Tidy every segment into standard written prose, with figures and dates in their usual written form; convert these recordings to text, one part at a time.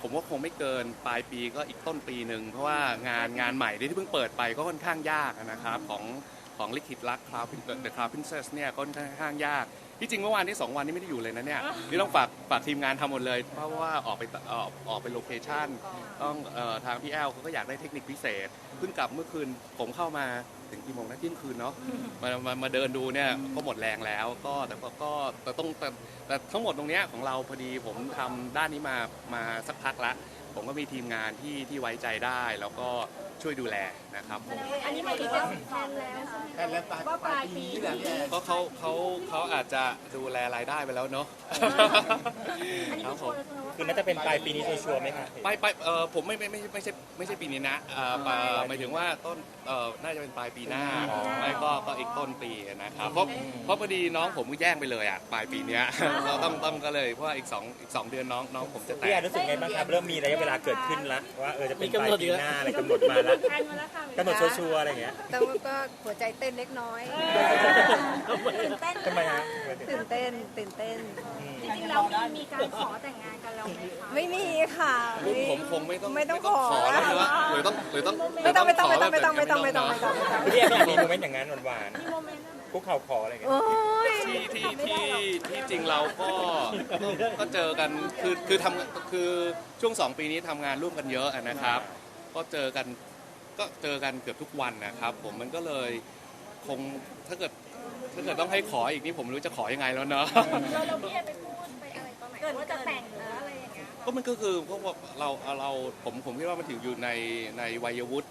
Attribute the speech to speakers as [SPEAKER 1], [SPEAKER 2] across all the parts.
[SPEAKER 1] ผมว่าคงไม่เกินปลายปีก็อีกต้นปีหนึ่งเพราะว่างานใหม่ที่เพิ่งเปิดไปก็ค่อนข้างยากนะครับของลิขิตรักThe Cloud Princess เนี่ยก็ค่อนข้างยากที่จริงเมื่อวานที่2 วันนี้ไม่ได้อยู่เลยนะเนี่ยนี่ต้องฝากทีมงานทำหมดเลยเพราะว่าออกไปโลเคชั่นต้องทางพี่แอลเขาก็อยากได้เทคนิคพิเศษเพิ่งกลับเมื่อคืนผมเข้ามาถึงกี่โมงนะเที่ยงคืนเนาะมาเดินดูเนี่ยก็หมดแรงแล้วก็แต่ทั้งหมดตรงเนี้ยของเราพอดีผมทำด้านนี้มาสักพักละผมก็มีทีมงานที่ไว้ใจได้แล้วก็ช่วยดูแลนะครับผม
[SPEAKER 2] อันนี้หมายถึงว่าแทนแล้วใช่ไหม
[SPEAKER 3] แทนแล้วว่าปลายปีนี้แหละพี่แอน
[SPEAKER 1] ก็เขาอาจจะดูแลรายได้ไปแล้วเนาะ
[SPEAKER 2] อันนี้คือชัวร์เลยใช่ไหมว่า
[SPEAKER 4] คือน่าจะเป็นปลายปีนี้ชัวร์ไหมคะ
[SPEAKER 1] ไปผมไม่ใช่ปีนี้นะหมายถึงว่าต้นน่าจะเป็นปลายปีหน้าไม่ก็อีกต้นปีนะครับเพราะพอดีน้องผมก็แย่งไปเลยอ่ะปลายปีเนี้ยเราต้องก็เลยเพราะว่าอีก2 เดือนน้องผมจะแต่
[SPEAKER 4] พี่แอนรู้สึกไงบ้างครับเริ่มมีระยะเวลาเกิดขึ้นแล้วว่าจะเป็นปลายปีหน้าอะไรกำหนดมาแล้ว
[SPEAKER 2] แทนมาแล้วค่ะ
[SPEAKER 4] กำหนดชัวร์ๆอะไรอย่างเงี้ย
[SPEAKER 5] แต่ว่าก็หัวใจเต้นเล็กน้อย
[SPEAKER 2] ตื่นเต้น
[SPEAKER 4] ทำไมฮะ
[SPEAKER 5] ตื่นเต้น
[SPEAKER 2] จริงๆเรามีการขอแต่งงานกันแล้วไหมคะ
[SPEAKER 5] ไม่มีค่ะ
[SPEAKER 1] รุ่นผมคงไม่ต้อง
[SPEAKER 5] ขอ
[SPEAKER 1] ขอแล้วนะหรือต้อง
[SPEAKER 5] ไม่ต้อง
[SPEAKER 1] ขอแบบ
[SPEAKER 4] พี่แอนไม่อยากมีโมเมนต์อย่างนั้นหวาน
[SPEAKER 2] มีโมเมนต์นั้นไหม
[SPEAKER 4] ๆคุกเข่าขออะไรอย่างเงี้ย
[SPEAKER 5] โอ้ย
[SPEAKER 1] ที่จริงเราก็เจอกันคือคือช่วง2 ปีนี้ทำงานร่วมกันเยอะนะครับ ก็เจอกันเกือบทุกวันนะครับ ผมมันก็เลยคงถ้าเกิดต้องให้ขออีกนี่ผมไม่รู้จะขอยังไงแล้วเนาะ
[SPEAKER 2] เราพี่แอนไปพูดไปอะไรตอนไหนว่าจะแต่งหรืออะไรอย่างเงี้ย
[SPEAKER 1] ก็มันก็คือเพราะว่าผมคิดว่ามันถึงอยู่ในวัยวุฒิ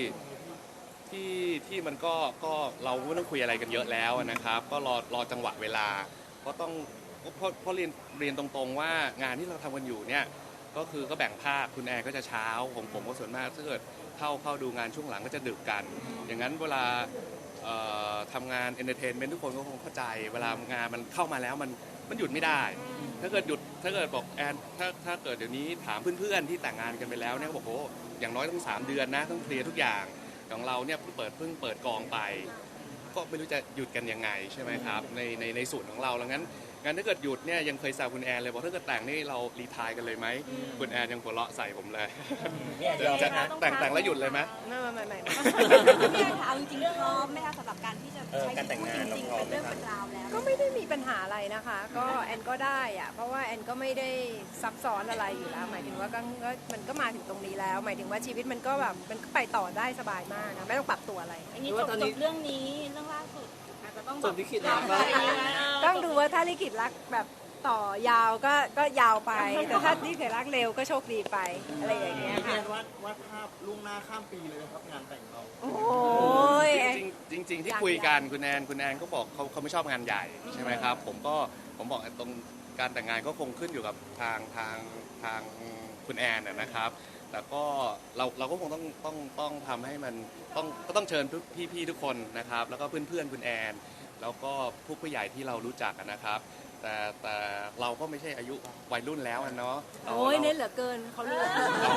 [SPEAKER 1] ที่มันก็เราไม่ต้องคุยอะไรกันเยอะแล้วนะครับ ก็รอจังหวะเวลาก็ต้องเพราะเรียนตรงๆว่างานที่เราทำกันอยู่เนี่ยก็แบ่งภาคคุณแอร์ก็จะเช้าผมก็ส่วนมากถ้าเกิดเข้าดูงานช่วงหลังก็จะดึกกัน อย่างนั้นเวลาทำงานเอนเตอร์เทนเมนต์ทุกคนก็คงเข้าใจเวลางานมันเข้ามาแล้วมันหยุดไม่ได้ ถ้าเกิดบอกแอนถ้าเกิดเดี๋ยวนี้ถามเพื่อนๆที่แต่งงานกันไปแล้วเนี่ยบอกโอ้อย่างน้อยต้อง3 เดือนนะต้องเคลียร์ทุกอย่างของเราเนี่ยเพิ่งเปิดกองไป ก็ไม่รู้จะหยุดกันยังไงใช่ไหมครับในส่วนของเราแล้วงั้นถ้าเกิดหยุดเนี่ยยังเคยแซวคุณแอนเลยบอกถ้าเกิดแต่งนี่เรารีไทร์กันเลยไหมคุณแอนยังหัวเราะใส่ผมเลย
[SPEAKER 4] พี่แอนยอม
[SPEAKER 1] จะ
[SPEAKER 4] นะ
[SPEAKER 1] แต่งแล้วหยุดเลยไหม
[SPEAKER 5] ไม่
[SPEAKER 2] พี่แอนคะเอาจริงๆพร้อมไหมคะสำหรับการที่จะใช้
[SPEAKER 4] การแต่งงาน
[SPEAKER 2] จริงๆเป็นเรื่องเป็นราวแล้ว
[SPEAKER 5] ก็ไม่ได้มีปัญหาอะไรนะคะ ก็แอนก็ได้อะเพราะว่าแอนก็ไม่ได้ซับซ้อนอะไรอยู่แล้ว หมายถึงว่าก็มันก็มาถึงตรงนี้แล้ว หมายถึงว่าชีวิตมันก็แบบมันก็ไปต่อได้สบายมากนะไม่ต้องปรับตัวอะไร
[SPEAKER 2] อันนี้จบเรื่องนี้เรื่องล่าสุดอาจจะต้อง
[SPEAKER 3] ส่วนที่คิดนะ
[SPEAKER 5] ต้องดูว่าถ้าลิขิตรักแบบต่อยาวก็ยาวไป แต่ถ้าลิขิตรักเร็วก็โชคดีไปอะไรอย่างเงี้ย
[SPEAKER 3] พี่แอ
[SPEAKER 5] ค่ะ
[SPEAKER 3] นวาดภาพล่วงหน้าข้ามปีเลยนะครับงานแต่งเรา
[SPEAKER 5] โอ้ย
[SPEAKER 1] จริงๆที่คุยกันคุณแอนก็บอกเขาไม่ชอบงานใหญ่ใช่ไหมครับผมบอกตรงการแต่งงานก็คงขึ้นอยู่กับทางคุณแอนนะครับ แต่ก็เราก็คงต้องทำให้มันต้องเชิญพี่ๆทุกคนนะครับ แล้วก็เพื่อนๆคุณแอนแล้วก็ผู้ใหญ่ที่เรารู้จักนะครับ แต่เราก็ไม่ใช่อายุวัยรุ่นแล้วเนาะ
[SPEAKER 5] โอ้ยเน้นเหลือเกินเขารู้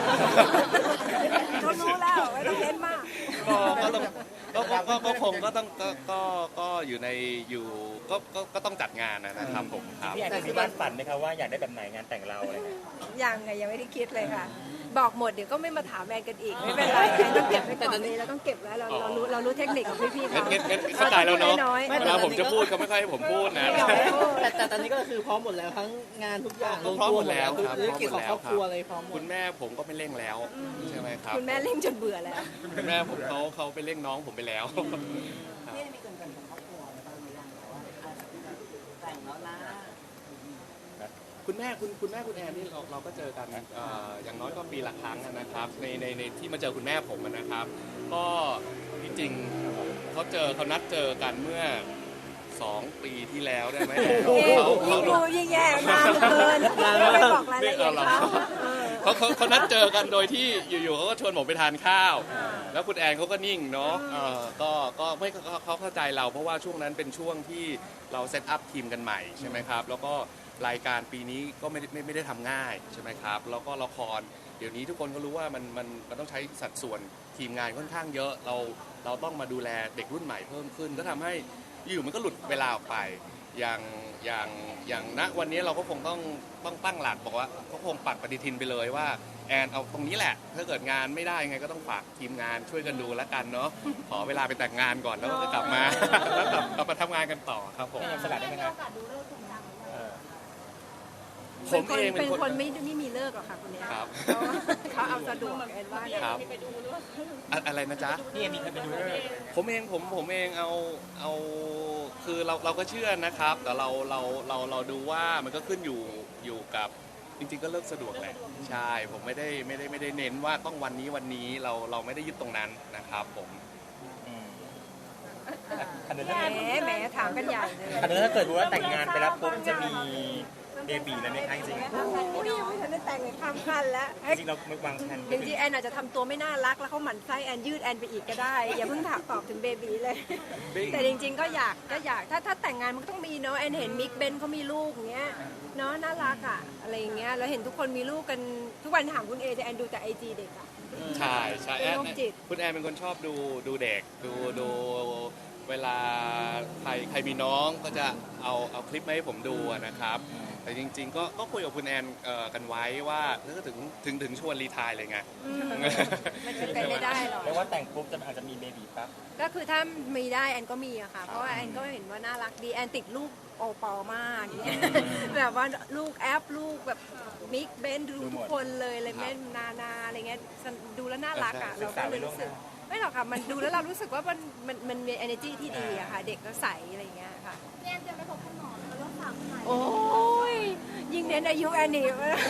[SPEAKER 5] เขารู้แล้วไม่ต้องเน้นมาก
[SPEAKER 1] ก็คงก็ต้องก็ต้องจัดงานนะครับผมครับ
[SPEAKER 4] พี่แอนมีบ้านฝันไหมครับว่าอยากได้แบบไหนงานแต่งเราอะไรเงี้ย
[SPEAKER 5] ยังไม่ได้คิดเลยค่ะ บอกหมดเดี๋ยวก็ไม่มาถามแอนกันอีกไม่เป็นไรแอนต้องเก็บไว้ก่อนเลยเราต้องเก็บไว้เรารู้เทคนิคของพี่ๆเขา
[SPEAKER 1] งั้นเข้าใจแล้วเนาะ
[SPEAKER 5] น้อยๆ
[SPEAKER 1] เวลาผมจะพูดเขาไม่ค่อยให้ผมพูดนะ
[SPEAKER 6] แต่ตอนนี้ก็คือพร้อมหมดแล้วทั้งงานทุกอย่าง
[SPEAKER 1] พร้อมหมดแล้วครับ
[SPEAKER 6] ธุรกิจของครอบครัวอะไรพร้อมหม
[SPEAKER 1] คุ
[SPEAKER 6] ด
[SPEAKER 1] ณแม่ผมก็ไม่เร่งแล้วใช่ไหมครับ
[SPEAKER 5] คุณแม่เล่นจนเบื่อแล้ว
[SPEAKER 1] คุณแม่ผมเขาไปเร่งน้องผมไปแล้ว
[SPEAKER 6] นี่มีเกินของครอบครัวอะไรบ้างหรือยังว่าแต่งแล้วนะ
[SPEAKER 1] คุณแม่คุณแอนนี่เราก็เจอกันอย่างน้อยก็ปีละครั้งนะครับในที่มาเจอคุณแม่ผมนะครับ ก็จริงๆเขานัดเจอกันเมื่อ2 ปีที่แล้วได้ไหม
[SPEAKER 5] ยิ่งดูยิ่งแย่นานเกินไม่ไปบอกรายละเอียดเขา
[SPEAKER 1] เขานัดเจอกันโดยที่อยู่ๆเขาก็ชวนผมไปทานข้าว แล้วคุณแอนเขาก็นิ่งเนาะก็ไม่เขาเข้าใจเราเพราะว่าช่วงนั้นเป็นช่วงที่เราเซตอัพทีมกันใหม่ใช่ไหมครับแล้วก็รายการปีนี้ก็ไม่ได้ทำง่ายใช่ไหมครับแล้วก็ละครเดี๋ยวนี้ทุกคนก็รู้ว่ามันต้องใช้สัดส่วนทีมงานค่อนข้างเยอะเราต้องมาดูแลเด็กรุ่นใหม่เพิ่มขึ้นก็ทำให้อยู่มันก็หลุดเวลาออกไปอย่างณวันนี้เราก็คงต้องตั้งหลักบอกว่าก็คงปักปฏิทินไปเลยว่าแอนเอาตรงนี้แหละถ้าเกิดงานไม่ได้ยังไงก็ต้องฝากทีมงานช่วยกันดูแล้วกันเนาะขอเวลาไปแต่งงานก่อนแล้วก็กลับมาแล้วกลับมาทำงานกันต่อครับผม
[SPEAKER 4] ไม่ยังสลัดได้ไหมครับเออ
[SPEAKER 1] ผมเอง
[SPEAKER 5] เป็นคนไม่มีเลิกหรอกค่ะคนเนี้ย
[SPEAKER 1] ครับ
[SPEAKER 5] เขาเอาสะดวกแอนว่าเนี่ย
[SPEAKER 1] ครับอะไรนะจ๊ะ
[SPEAKER 4] พี่เอมีเคยไปดูด้วย
[SPEAKER 1] ผมเองเอาคือเราก็เชื่อนะครับ แต่เราดูว่ามันก็ขึ้นอยู่กับจริงๆก็เลิกสะดวกแหละใช่ผมไม่ได้เน้นว่าต้องวันนี้เราไม่ได้ยึดตรงนั้นนะครับผม
[SPEAKER 4] อืมอันนั้น
[SPEAKER 5] แหมถามกันใหญ่เลย
[SPEAKER 4] อันนั้นถ้าเกิดว่าแต่งงานไปแล้วปุ๊บจะมีเบบีแล้วไหมคะจริง
[SPEAKER 5] นี่ยังไม่ทันได้แต่งเลยข้ามขั้นแล้ว
[SPEAKER 4] ๆจริงๆเราวางแผน
[SPEAKER 5] จริงๆแอนอาจจะทำตัวไม่น่ารักแล้วเขาหมั่นไส้แอนยืดแอนไปอีกก็ได้ อย่าเพิ่งถามตอบถึงเบบีเลย แต่จริงๆก็อยากถ้าแต่งงานมันก็ต้องมีเนาะแอนเห็นมิกเบนเขามีลูกอย่างเงี้ยเนาะน่ารักอ่ะอะไรอย่างเงี้ยแล้วเห็นทุกคนมีลูกกันทุกวันถามคุณเอแต่แอนดูแต่ไอจีเด็กอ่ะ
[SPEAKER 1] ใช่แอน
[SPEAKER 5] โรคจิต
[SPEAKER 1] คุณแอนเป็นคนชอบดูเด็กดูเวลาใครมีน้องก็จะเอาคลิปมาให้ผมดูอะนะครับ แต่จริงๆก็คุยกับคุณแอนกันไว้ว่าถ้าถึงชวนรีไทร์เลยไง
[SPEAKER 5] มันเป็นไปไม่ได้หรอก
[SPEAKER 4] แปลว่าแต่งปุ๊บจะอาจจะมีเบบีปั๊บ
[SPEAKER 5] ก็คือถ้ามีได้แอนก็มีอะค่ะ เพราะว่าแอนก็เห็นว่าน่ารักดีแอนติดลูกโอปอลมากอย่างเงี้ยแบบว่าลูกแอปลูกแบบมิกเบนดูทุกคนเลยแม่นาอะไรเงี้ยดูแล้วน่ารักอะเราก็เลยรู้สึกไม่หรอกค่ะมันดูแล้วเรารู้สึกว่ามันมี energy ที่ดีอะค่ะเด็กก็ใสอะไรเงี้ยค่ะ
[SPEAKER 2] แอนจะไปพบคุณหมอแล้วก็ฝากคุณหมอ
[SPEAKER 5] โอ้ยยิ่งเน้นอายุแอนนี่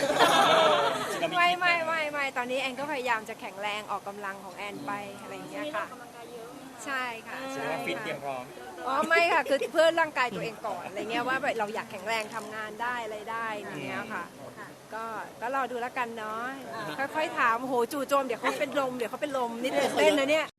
[SPEAKER 5] ไม่ตอนนี้แอนก็พยายามจะแข็งแรงออกกำลังของแอนไปอะไรอย่างเงี้ยค่ะใช่ค่ะ
[SPEAKER 4] แสด
[SPEAKER 5] ใช่
[SPEAKER 4] งว่าฟิตเตรียมพร้อม
[SPEAKER 5] อ๋อไม่ค่ะคือเพื่อร่างกายตัวเองก่อนอะไรเงี้ยว่าแบบเราอยากแข็งแรงทำงานได้อะไรได้อย่างเงี้ยค่ะก็รอดูแล้วกันเนาะค่อยๆถามโหจู่โจมเดี๋ยวเขาเป็นลมนิดเต้นนะเนี่ย